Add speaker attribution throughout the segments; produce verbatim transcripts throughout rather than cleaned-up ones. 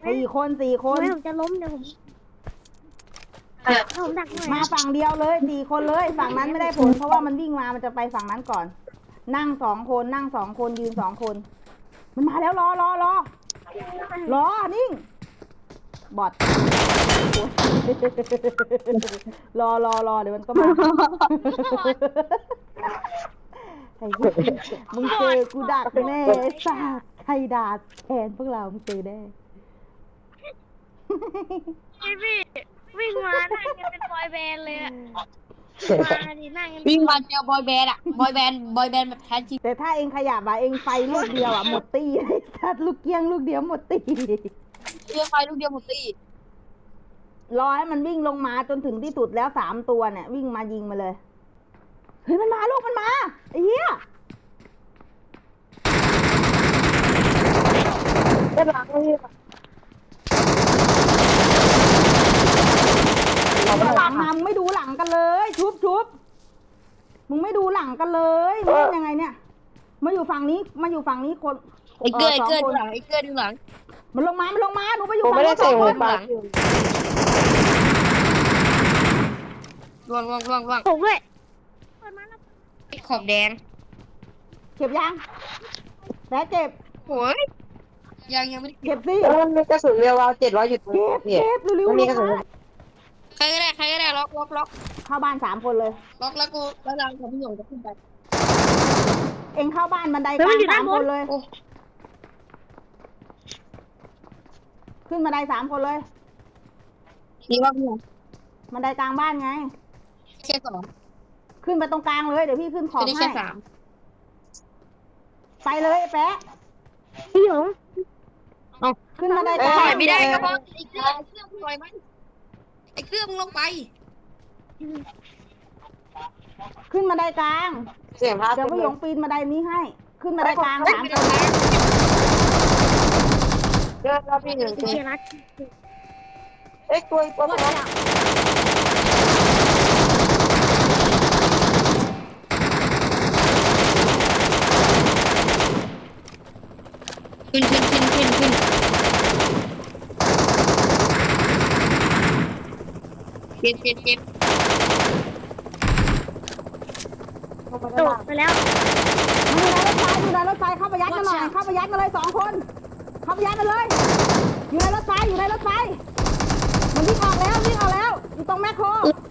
Speaker 1: สี่คนสี่คน
Speaker 2: ไม่ผมจะล้มเดี๋ยวผมผมดักหน่อย
Speaker 1: มาฝั่งเดียวเลยสี่คนเลยฝั่งนั้นไม่ได้ผลเพราะว่ามันวิ่งมามันจะไปฝั่งนั้นก่อน นั่งสองคนนั่งสองคนยืนสองคน มันมาแล้วรอรอรอรอนิ่งบอดรอรอรอเดี๋ยวมันก็มาไอ้มึงเจอกูดักแน่ไอ้สัสใครด่าแทนพวกเรามึงเจอแน่
Speaker 2: พี่วิ่งมานั่งกันเป็นบอยแบนด์เลยอะมาดินั่งกัน
Speaker 3: วิ่งมาเจอบอยแบนด์อะบอยแบนด์บอยแบนด์แบบแท้จริง
Speaker 1: แต่ถ้าเองขยับอะเองไฟลูกเดียวอะหมดตีไอ้สัสลูกเกี้ยงลูกเดียวหมดตี
Speaker 3: เรือไฟลูกเดียวหมดตี
Speaker 1: รอให้มันวิ่งลงมาจนถึงที่สุดแล้วสามตัวเนี่ยวิ่งมายิงมาเลยเฮ้ยมันมาลูกมันมาไอ้เหี้ย
Speaker 4: ได้หลังเลย
Speaker 1: หลังมามึงไม่ดูหลังกันเลยชุบชุบมึงไม่ดูหลังกันเลยมึงเล่นยังไงเนี่ยมาอยู่ฝั่งนี้มาอยู่ฝั่งนี้คน
Speaker 3: ไอ้เกลือไอ้
Speaker 1: สอง
Speaker 3: เกลือ
Speaker 1: ค
Speaker 3: ดู
Speaker 1: น
Speaker 3: หลังไอ้เกลือดูหลัง
Speaker 1: มันลงมามันลงมาหนูไปอยู่
Speaker 4: ผม
Speaker 1: ฝั่ง
Speaker 4: ไม่ได้
Speaker 1: นู้นส
Speaker 4: ใส่
Speaker 1: อง
Speaker 4: หั
Speaker 1: ค
Speaker 4: วน ปาก
Speaker 3: ล่วงล่วงล่วงล่วง
Speaker 2: ผมด้วยเปิดมาแล้ว
Speaker 3: ขอบแดง
Speaker 1: เก็บยังแล้วเก็บ
Speaker 3: โอ้ยยังยังไม่ได้
Speaker 1: เก็บสิ
Speaker 4: แล้วมันมีกระสุนเรียววาวเจ็ดร้อยอยู่ตรง
Speaker 1: เก็
Speaker 4: นี้
Speaker 1: บ
Speaker 4: เนี่ย
Speaker 1: เก็บเร็ว
Speaker 4: มัน
Speaker 1: ๆ
Speaker 4: มีกระสุน
Speaker 1: ลงมา
Speaker 3: ใครก็ได้ใครก็ได้ล็อกล็อกล็อก
Speaker 1: เข้าบ้านสามคนเลย
Speaker 3: ล็อกแล้วกูแล้วรังของพี่หยงจะขึ้นไป
Speaker 1: เอ็งเข้าบ้านบันไดกลางสามคนเลย
Speaker 3: โอ้
Speaker 1: ขึ้นบันไดสามคนเลย
Speaker 3: ดีว่าพี่หยง
Speaker 1: บันไดกลางบ้านไง
Speaker 3: แค่สอง
Speaker 1: ขึ้นไปตรงกลางเลยเดี๋ยวพี่ขึ้นขอบ
Speaker 3: จะได้
Speaker 1: ให้
Speaker 3: แค่สาม
Speaker 1: ไปเลยไอ้แปะ
Speaker 2: พี่หยง
Speaker 1: ขึ้นบันไดกลาง
Speaker 3: ปล่อยไม่ได้ก็เพราะไอ้เกลือไอ้เกลือมึงปล่อยมันไอ้เกลือมึงลงไป
Speaker 1: ขึ้นบันไดกลาง
Speaker 4: เสียงพา
Speaker 1: เดี๋ยวพี่หยงปีนบันไดนี้ให้ ขึ้นบันไดกลางสาม
Speaker 3: ไม่
Speaker 1: ค
Speaker 3: ต้อน งนะ
Speaker 4: เยอะแล้วพี่หนึ่ง
Speaker 2: เชียร์รัก
Speaker 4: เอ้ยตัวตัวตัว
Speaker 3: ขึ้นขึ้นขึ้นขึ้นขึ้นเจ็บเจ็บเจ็บ
Speaker 2: โดดไปแล้ว
Speaker 1: มันอยู่ในรถไฟอยู่ในรถไฟเข้าไปยัดกันหน่อยเข้าไปยัดกันเลยสองคน เข้าไปยัดกันเลย อยู่ในรถไฟอยู่ในรถไฟมันวิ่งออกแล้ววิ่งออกแล้วอยู่ตรงแมคโคร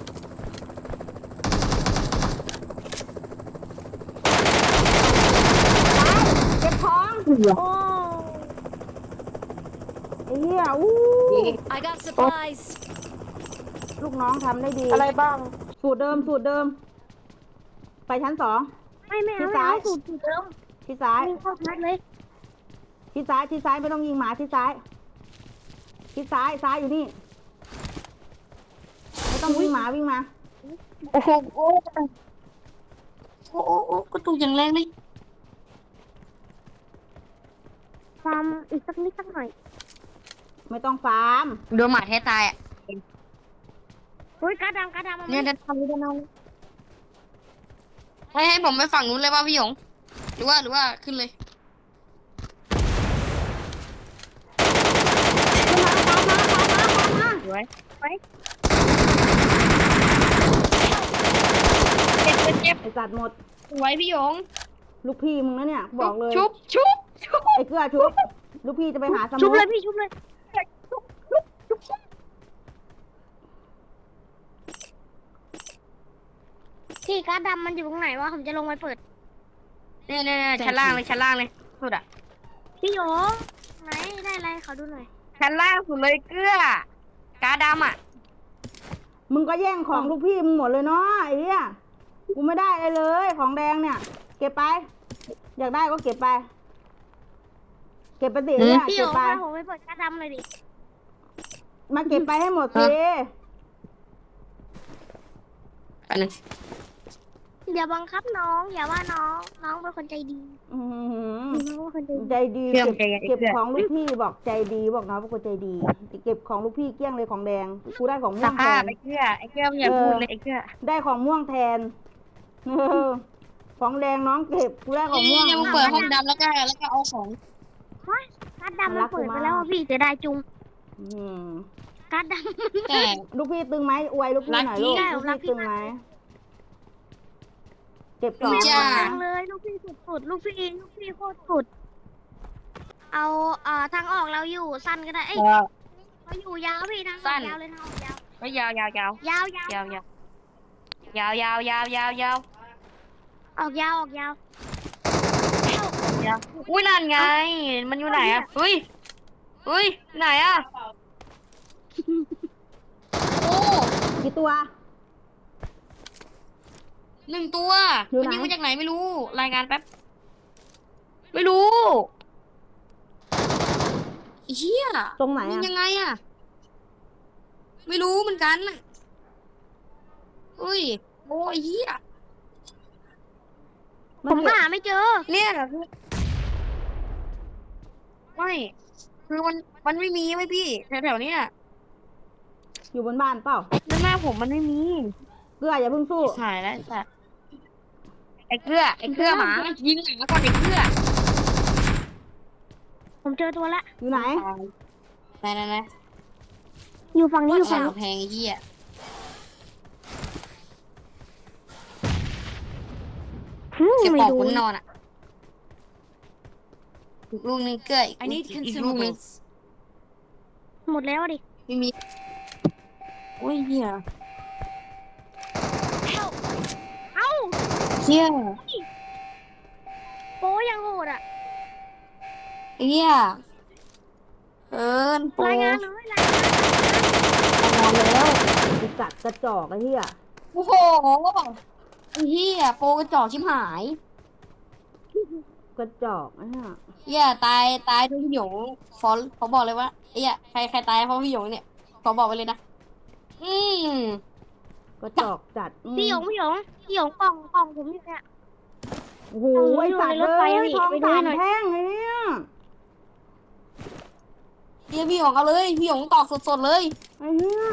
Speaker 1: เก็บของ
Speaker 2: โอ้
Speaker 1: ไอ้เหี้ยอู้
Speaker 5: I got supplies.
Speaker 1: ลูกน้องทำได้ดี
Speaker 4: อะไรบ้าง
Speaker 1: สูตรเดิมสูตรเดิม ไปชั้นสอง
Speaker 2: ไม่ไม่เอาไม่เอาสูตรสูตรเดิม
Speaker 1: ที่ซ้าย
Speaker 2: วิ่งเข้าทัดเลย
Speaker 1: ที่ซ้ายที่ซ้ายไม่ต้องยิงหมาที่ซ้ายที่ซ้ายซ้ายอยู่นี่ไม่ต้องวิ่งหมาวิ่งมา
Speaker 3: โอ้โหโอ้โอ้โอ้โอ้กระตุกอย่างแรงเลย
Speaker 2: ฟาร์มอีกสักนิดสักหน่อย
Speaker 1: ไม่ต้องฟาร์ม
Speaker 3: โดนหมาแท้ตายอ่ะ
Speaker 2: เฮ้ยกระดำกระดำมัน
Speaker 3: เนี่ยจะทำจะเอาให้ให้ผมไปฝั่งนู้นเลยป่ะพี่หยงหรือว่าหรือว่าขึ้นเลย
Speaker 1: ขึ้นมาตามมาตามมาตามมา
Speaker 3: สวย
Speaker 2: ไว้
Speaker 3: เจ็บเจ็บเจ็บ
Speaker 1: ไอ้จัดหมด
Speaker 3: สวยพี่หยง
Speaker 1: ลูกพี่มึงนะเนี่ยบอกเลย
Speaker 3: ชุบชุบชุบ
Speaker 1: ไอ้เกลือชุบลูกพี่จะไปหาส
Speaker 2: ชุ
Speaker 1: มุ
Speaker 2: บ
Speaker 1: น
Speaker 2: เลยพี่ชุบเลยที่กระดำมันอยู่ตรงไหนวะผมจะลงไปเปิด
Speaker 3: เนี่ยเนี่ยเนี่ยชั้นล่างเลยชั้นล่างเลยสุดอ่ะ
Speaker 2: พี่หยงไหนได้อะไรขอดูหน่อย
Speaker 3: ชั้นล่างสุดเลยเกลือกาดำอ่ะ
Speaker 1: มึงก็แย่งของลูกพี่มึงหมดเลยเนาะไอ้เหี้ยกูไม่ได้เลยเลยของแดงเนี่ย เก็บไป อยากได้ก็เก็บไป เก็บไปสิเนี่ย
Speaker 2: พี่หย
Speaker 1: เก็บ
Speaker 2: ง
Speaker 1: ไป
Speaker 2: พาผมไปเปิดกระดำเลยดิ
Speaker 1: มาเก็บไปให้หมดสิ
Speaker 3: อันนึง
Speaker 2: อย่าบังคับน้อง อย่าว่าน้อง น้องเป็นคนใจดี
Speaker 1: อื้อหือ
Speaker 2: น้องเป็นคนใจดี
Speaker 1: ใจดีเก็บเก็บของลูกพี่บอกใจดีบอกน้องเป็นคนใจดี เก็บของลูกพี่เกลี้ยงเลยของแดงกูได้ของม่
Speaker 3: ส
Speaker 1: วงแท
Speaker 3: ภาพ
Speaker 1: น
Speaker 3: ไอ้เกลือไอ้เกลือมึงอย่าพูดเลยไอ้เกลือ
Speaker 1: ได้ของม่วงแทนเออของแดงน้องเก็บกูได้ของม่วง
Speaker 3: นี่มึงเปิดห้องดำแล้วก็แล้วก็เอาของ
Speaker 2: กระดำมันเปิดไปแล้วอะพี่เสียดายจุง
Speaker 1: อืม
Speaker 2: การด
Speaker 3: แต่
Speaker 1: ลูกพี่ตึงไหมอวยลูกพี่หน่อย
Speaker 3: รักพี่
Speaker 1: ลูก
Speaker 2: ได้
Speaker 1: ลูก
Speaker 2: รัก
Speaker 1: พี่
Speaker 2: พี่
Speaker 1: ตึงไหมเก็บ
Speaker 2: ำ
Speaker 1: สอง
Speaker 2: พี่
Speaker 3: จ้า
Speaker 2: โคตรดังเลยลูกพี่สุดๆลูกพี่ลูกพี่โคตรสุดเอาเอ่อทางออกเราอยู่สั้นก็ได้เอ้ยเราอยู่ยาวพี่ทางออกยาวเลยทางออกยาว
Speaker 3: ก็ยาวยาวยาวย
Speaker 2: าวยาวย
Speaker 3: าวยาวยาวยาวยาวยาวยาว
Speaker 2: ออกยาวออกยาว
Speaker 3: ยาวอุ้ยนั่นไง มันอยู่ไหนอ่ะอุ้ยอุ้ยไหนอ่ะโอ้
Speaker 1: กี่ตัว
Speaker 3: หนึ่งตัว
Speaker 1: อยู่
Speaker 3: มัน
Speaker 1: ไหน
Speaker 3: ยิงมาจากไหนไม่รู้ รายงานแป๊บ ไม่รู้ไอ้เหี้ย
Speaker 1: ตรงไหน
Speaker 3: ยิง
Speaker 1: อ่ะ
Speaker 3: ยังไงอ่ะ ไม่รู้เหมือนกันน่ะอุ้ยโอ้ยเหี้ย
Speaker 2: ผมก็หาไม่เจอ
Speaker 3: เนี่ยคือไม่ คือมัน มันไม่มีไว้พี่แถวๆเนี้ย
Speaker 1: อยู่บนบ้านเปล่า
Speaker 3: ด้านหน้าผมมันไม่มี
Speaker 1: เกลืออย่าเพิ่งสู้
Speaker 3: หายแล้วไอ้สัตว์ไอ้เกลือไอ้เกลือหมา ยิงหมาก่อนไอ้เกลือ
Speaker 2: ผมเจอตัวละ
Speaker 1: อยู่ไหน
Speaker 3: ไหนไหนไหน
Speaker 2: อยู่ฝั่งนี้อยู่
Speaker 3: สา
Speaker 2: ฝั่ง
Speaker 3: ว
Speaker 2: นี้
Speaker 3: แพงไอ้เหี้ย
Speaker 2: อืม
Speaker 3: เก็บ
Speaker 2: ไม่
Speaker 3: ปอก
Speaker 2: ดู
Speaker 3: คุณนอนอ่ะอีกลูกนึงเกลืออีก
Speaker 5: I need
Speaker 3: อีกลูกนึง
Speaker 5: consumables.
Speaker 2: หมดแล้วดิ
Speaker 3: ไม่มีโอ้ยเหี้ย
Speaker 5: Help!
Speaker 2: เอ้า
Speaker 3: เหี้ย
Speaker 2: โป้ยังโหดอ่ะ
Speaker 3: ไอ้เหี้ยเอินโปร
Speaker 2: รายงานเลยรายงาน
Speaker 3: ทำงานแล้ว
Speaker 1: ไอสัตว์กระจอกไอ้เหี้ย
Speaker 3: โอ้โหไอ้เหี้ยโปรกระจอกชิบหาย
Speaker 1: กระจอกไอ้เหี้ย
Speaker 3: เหี้ยตายตายด้วยพี่หยงขอขอบอกเลยว่าเหี้ยใครใครตายเพราะพี่หยงเนี่ยขอบอกไปเลยนะอืม
Speaker 1: กระจอกจัดอืม
Speaker 2: พี่หยงพี่หยงพี่หยงกล่องกล่องผมอยู่เนี่ย
Speaker 1: โอ้โห
Speaker 2: เอา
Speaker 1: ไอสัตว์
Speaker 2: อยู่
Speaker 1: เล
Speaker 2: ในรถไฟ
Speaker 1: ย
Speaker 2: อะพี่
Speaker 1: ทอง
Speaker 2: ไปดู
Speaker 1: สา
Speaker 2: ให้
Speaker 1: ม
Speaker 2: หน่อย
Speaker 1: แท่งไอ้เนี่ย
Speaker 3: เหี้ยพี่หยงเอาเลยพี่หยงตอกสดๆเลย
Speaker 1: ไอ้เหี้ย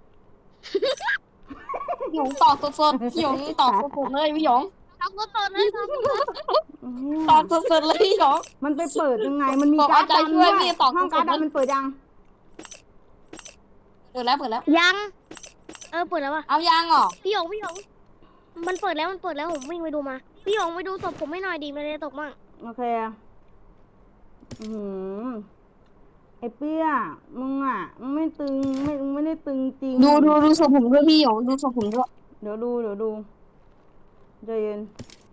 Speaker 3: พี่หยงตอกสดๆพี่หยงตอกสดๆเลยพี่หยง
Speaker 2: เอาตัวตนเลยครับ
Speaker 1: ไอ้เหี้ย
Speaker 3: ตอกสดๆเลยพี่หยง
Speaker 1: มันไปเปิดยังไง มันมี
Speaker 3: บอก
Speaker 1: การ์ด
Speaker 3: เอาใจ
Speaker 1: ดำ
Speaker 3: ช่
Speaker 1: ด้
Speaker 3: ว
Speaker 1: วย ย
Speaker 3: พี่ตอบ
Speaker 1: ห้องการ์ด
Speaker 3: ถูกๆ
Speaker 1: ดำมันเปิดยัง
Speaker 3: เปิดแล้วเปิดแล้ว
Speaker 2: ยัง เออเปิดแล้วว่ะ
Speaker 3: เอายางเหรอ
Speaker 2: พี่หยงพี่หยงมันเปิดแล้วมันเปิดแล้วผมวิ่งไปดูมา พี่หยงไปดูศพผมไม่หน่อยดีไม่ได้ตกมั่ง
Speaker 1: โอเคอืมไอ้เปี้ย มึงอ่ะ มึงไม่ตึง ไม่มึงไม่ได้ตึงจริง
Speaker 3: ดูดูดูศพผมด้วยพี่หยงดูศพผมด้วย
Speaker 1: เดี๋ยวดู เดี๋ยวดูใจเย็น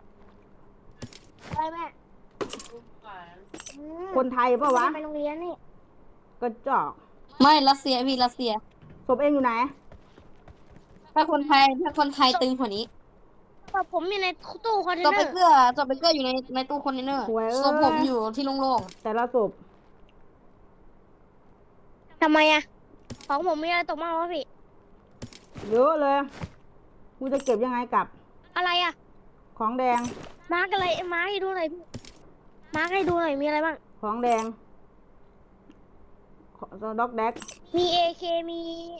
Speaker 2: ได้แม่อืม
Speaker 1: คนไทยเปล่าวะ
Speaker 2: ไปโรงเรียนนี่
Speaker 1: กระจอก
Speaker 3: ไม่รัสเซียพี่รัสเซีย
Speaker 1: ศพเองอยู่ไหน
Speaker 3: ถ้าคนไทยถ้าคนไทยตึงกว่านี้
Speaker 2: ศพผมอยู่ในตู้คอนเทน
Speaker 3: จอ
Speaker 2: เน
Speaker 3: ไป
Speaker 2: อร์
Speaker 3: เกลือจอไปเกลืออยู่ในในตู้คอนเทนเนอร์
Speaker 1: สวยเอ้ย
Speaker 3: ศพผมอยู่ที่โล่ง
Speaker 1: แต่ละศพ
Speaker 2: ทำไมอะของผมมีอะไรตกมั่งวะพี่
Speaker 1: เยอะเลย กูจะเก็บยังไงกลับ
Speaker 2: อะไรอะ
Speaker 1: ของแดง
Speaker 2: มาร์กอะไรมาร์กให้ดูหน่อยพี่ มาร์กให้ดูหน่อยมีอะไรบ้าง
Speaker 1: ของแดงด็อกแดก
Speaker 2: มีเอเคมี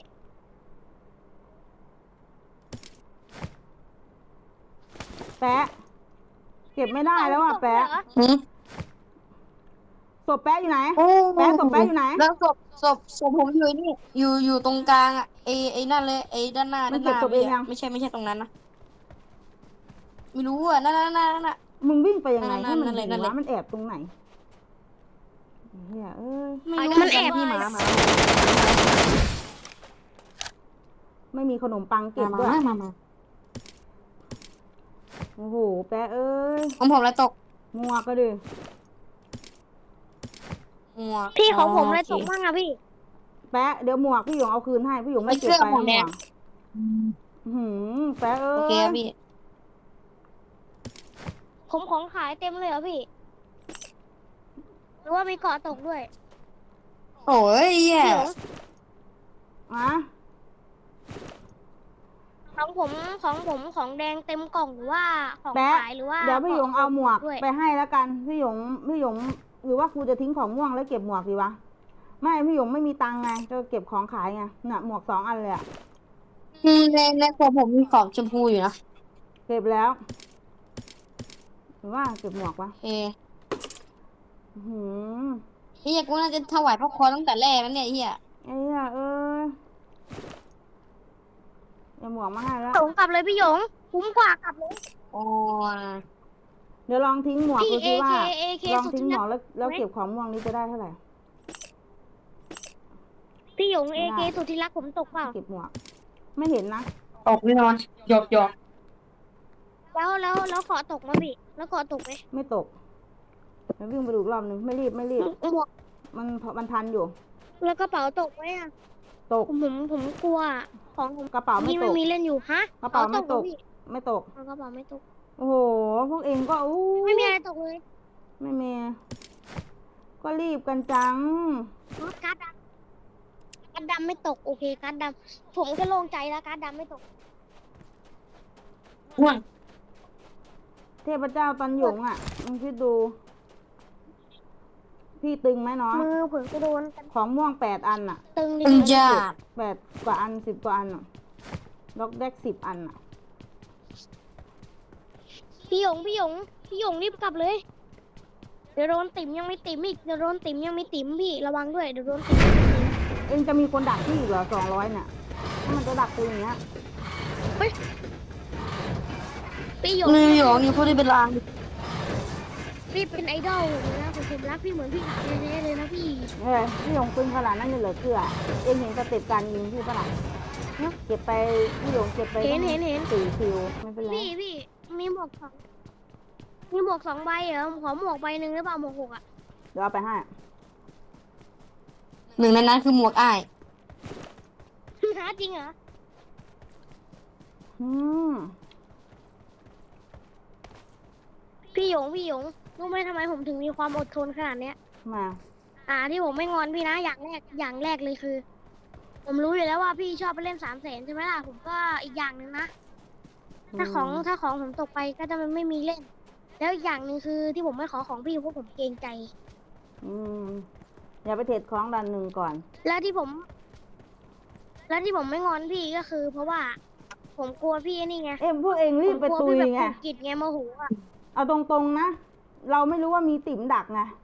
Speaker 1: แปะ เก็บไม่ได้แล้วอ่ะแปะ
Speaker 3: ๆหืม
Speaker 1: ศพแปะอยู่ไหน
Speaker 3: โอ้
Speaker 1: แป๊ะศพแป๊ะอยู่ไหน
Speaker 3: แล้วศพศพศพผมอยู่นี่ อยู่อยู่ตรงกลางอ่ะไอไอนั่นเลยไอด้านหน้า
Speaker 1: มั
Speaker 3: ด้าน นห
Speaker 1: เก็บ
Speaker 3: น้า
Speaker 1: ศพเองยัง
Speaker 3: ไม่ใช่ไม่ใช่ตรงนั้นนะไม่รู้อ่ะนั่นนั่นนั่นนั่นน่ะ
Speaker 1: มึงวิ่งไปยังไง
Speaker 3: นั่
Speaker 1: ให้
Speaker 3: น
Speaker 1: มัน
Speaker 3: นั่น
Speaker 1: เห็น
Speaker 3: นั่นเลย
Speaker 1: วะมันแอบตรงไหนเฮียเอ้ย
Speaker 3: ไม่
Speaker 5: I
Speaker 3: รู้
Speaker 5: got
Speaker 2: มันแอบ
Speaker 1: พี่หมา
Speaker 5: supplies.
Speaker 1: มาไม่มีขนมปังเก็บ
Speaker 3: มา
Speaker 1: ด้วย
Speaker 3: มามามา
Speaker 1: โอ้โหแปะเอ้ย
Speaker 3: ของผมอะไรตก
Speaker 1: มัวก็ดิ
Speaker 3: หมวก
Speaker 2: พี่ของผมอะไร
Speaker 3: โเค
Speaker 2: ตกมั่งอะพี่
Speaker 1: แปะเดี๋ยวหมวกพี่หยงเอาคืนให้พี่หยงไม่
Speaker 3: ไอ้
Speaker 1: เก็บ
Speaker 3: เสื้อ
Speaker 1: ไป
Speaker 3: หมวก
Speaker 1: ห
Speaker 3: แด
Speaker 1: มว
Speaker 3: ง
Speaker 1: กอื้อหือแปะเอ้
Speaker 3: โอเค
Speaker 1: ย
Speaker 3: ครับพี่
Speaker 2: ผมของขายเต็มเลยเหรอพี่ หรือว่ามีเกาะตกด้วย
Speaker 3: โอ้ยเหี้ย
Speaker 2: พี่หยง
Speaker 1: อ่ะ
Speaker 2: ของผมของผมของแดงเต็มกล่องหรือว่าของ
Speaker 1: แปะ
Speaker 2: ขายหรือว่า
Speaker 1: เดี๋ยวพี่หยงเอาหมวก
Speaker 2: ด้วย
Speaker 1: ไปให้แล้วกันพี่หยงพี่หยงหรือว่ากูจะทิ้งของม่วงแล้วเก็บหมวกดีวะไม่พี่หยงไม่มีตังค์ไงจะเก็บของขายไงเนี่ยหมวกสองอันเลยอะ
Speaker 3: อืมในในตัวผมมีของชมพูอยู่นะ
Speaker 1: เก็บแล้ว หรือว่าเก็บหมวกวะ
Speaker 3: โอเค
Speaker 1: อื้อหือ
Speaker 3: เฮียกูน่าจะถวายพระคอตั้งแต่แรกแล้วเนี่ยเฮีย
Speaker 1: ไอ้อ่ะเออเอาหมวกมาให้แล้ว
Speaker 2: ส่งกลับเลยพี่หยงคุ้มกว่ากลับเลย
Speaker 3: โอ้ย
Speaker 1: เดี๋ยวลองทิ้งหมวก
Speaker 2: พี่
Speaker 1: ดูสิว่า
Speaker 2: เอเคเอเค
Speaker 1: ลอง
Speaker 2: สุด
Speaker 1: ทิ้ง
Speaker 2: ที่
Speaker 1: หม
Speaker 2: รั
Speaker 1: ว
Speaker 2: ก
Speaker 1: กแล้วแล้ว
Speaker 2: ไหม
Speaker 1: เก็บของม่วงนี้จะได้เท่าไหร่
Speaker 2: พี่หยง
Speaker 1: ไม่
Speaker 2: เอ
Speaker 1: ได้
Speaker 2: เคสุดที่รักผมตกเปล่า
Speaker 1: เก็บหมวก ไม่เห็นนะ
Speaker 4: ตกแน่นอนหยอกหยอก
Speaker 2: แล้วแล้วแล้วขอตกมาพี่แล้วขอตกไหม
Speaker 1: ไม่ตกเดี๋ยววิ่งไปดูอีกรอบหนึ่งไม่รีบไม่รีบ
Speaker 2: หมวก
Speaker 1: มันมันทันอยู่
Speaker 2: แล้วกระเป๋าตกไหมอ่ะ
Speaker 1: ตก
Speaker 2: ผมผมผมกลัวของผม
Speaker 1: กระเป๋าไม่
Speaker 2: นี่
Speaker 1: ต
Speaker 2: ไม่
Speaker 1: ก
Speaker 2: มีเล่นอยู่ฮะ
Speaker 1: กระเป๋าไม่ตก
Speaker 2: หรอพี่
Speaker 1: ไม่ตก
Speaker 2: เอากระเป๋าไม่ตก
Speaker 1: โอ้โห พวกเองก็อู้
Speaker 2: ไม่มีอะไรตกเลย
Speaker 1: ไม่มี ก็รีบกันจัง
Speaker 2: อ๋อการ์ดดำการ์ดดำไม่ตกโอเคการ์ดดำผมก็โล่งใจแล้วการ์ดดำไม่ตก
Speaker 3: ง่วง
Speaker 1: เทพเจ้าตันหยงอ่ะมึงคิดดู พี่ตึงไหมน้อง
Speaker 2: มือผมก็โดน
Speaker 1: ของม่วงแปดอันอ่ะ
Speaker 2: ตึงดิ
Speaker 3: ตึงจ้า
Speaker 1: แปดกว่าอันสิบกว่าอันอ่ะล็อกแดกสิบอันอ่ะ
Speaker 2: พี่หยงพี่หยงพี่หยงรีบกลับเลย เดี๋ยวโดนติ๋มยังไม่ติ๋มอีกเดี๋ยวโดนติ๋มยังไม่ติ๋มพี่ระวังด้วยเดี๋ยวโดนติ๋มยังไม่ติ๋ม
Speaker 1: เองจะมีคนดักพี่อีกเหรอสองร้อยเนี่ยถ้ามันจะดักตัวอย่างเงี้ย
Speaker 2: พี่หยง
Speaker 3: นิวยอร์กอยู่พูดได้เป็นลาง
Speaker 2: พี่เป็นไอดอลเลยนะผมผมรักพี่เหมือนพี่สาวแท้ๆเลยนะพี่
Speaker 1: เฮ้ยพี่หยงปืนขนาดนั้นเลยเหรอเกลือเองเห็นสเต็ปการยิงพี่ปะล่ะเก็บไปพี่หยงเก็บไป
Speaker 2: เห็นเห็นเห็น
Speaker 1: สี่คิวไม่เป็นไร
Speaker 2: พี่พี่มีหมวกสองมีหมวกสองใบเหรอผมขอหมวกใบหนึ่งหรือเปล่าหมวกหกอ่ะ
Speaker 1: เดี๋ยวเอาไปให้
Speaker 3: หนึ่งในนั้นคือหมวกอ้าย
Speaker 2: หาจริงเหรอ
Speaker 1: อืม
Speaker 2: พี่หยงพี่หยงรู้ไหมทำไมผมถึงมีความอดทนขนาดเนี้ย
Speaker 1: มา
Speaker 2: อ่าที่ผมไม่งอนพี่นะอย่างแรกอย่างแรกเลยคือ ผมรู้อยู่แล้วว่าพี่ชอบไปเล่นสามแสนใช่ไหมล่ะผมก็อีกอย่างหนึ่งนะถ้าของถ้าของผมตกไปก็จะมันไม่มีเล่น แล้วอีกอย่างหนึ่งคือที่ผมไม่ขอของพี่เพราะผมเกรงใจ
Speaker 1: อืมอย่าไปเทรดของดันหนึ่งก่อน
Speaker 2: แล้วที่ผม แล้วที่ผมไม่งอนพี่ก็คือ เพราะว่า ผมกลัวพี่นี่ไง
Speaker 1: เอ็มพวกเองรีบไป
Speaker 2: ผมกลั
Speaker 1: ตุ
Speaker 2: วย พี่แบบ
Speaker 1: ไง
Speaker 2: ผูกกิจไงโมโหอ่ะ
Speaker 1: เอาตรงๆนะ เราไม่รู้ว่ามีติ๋มดักไง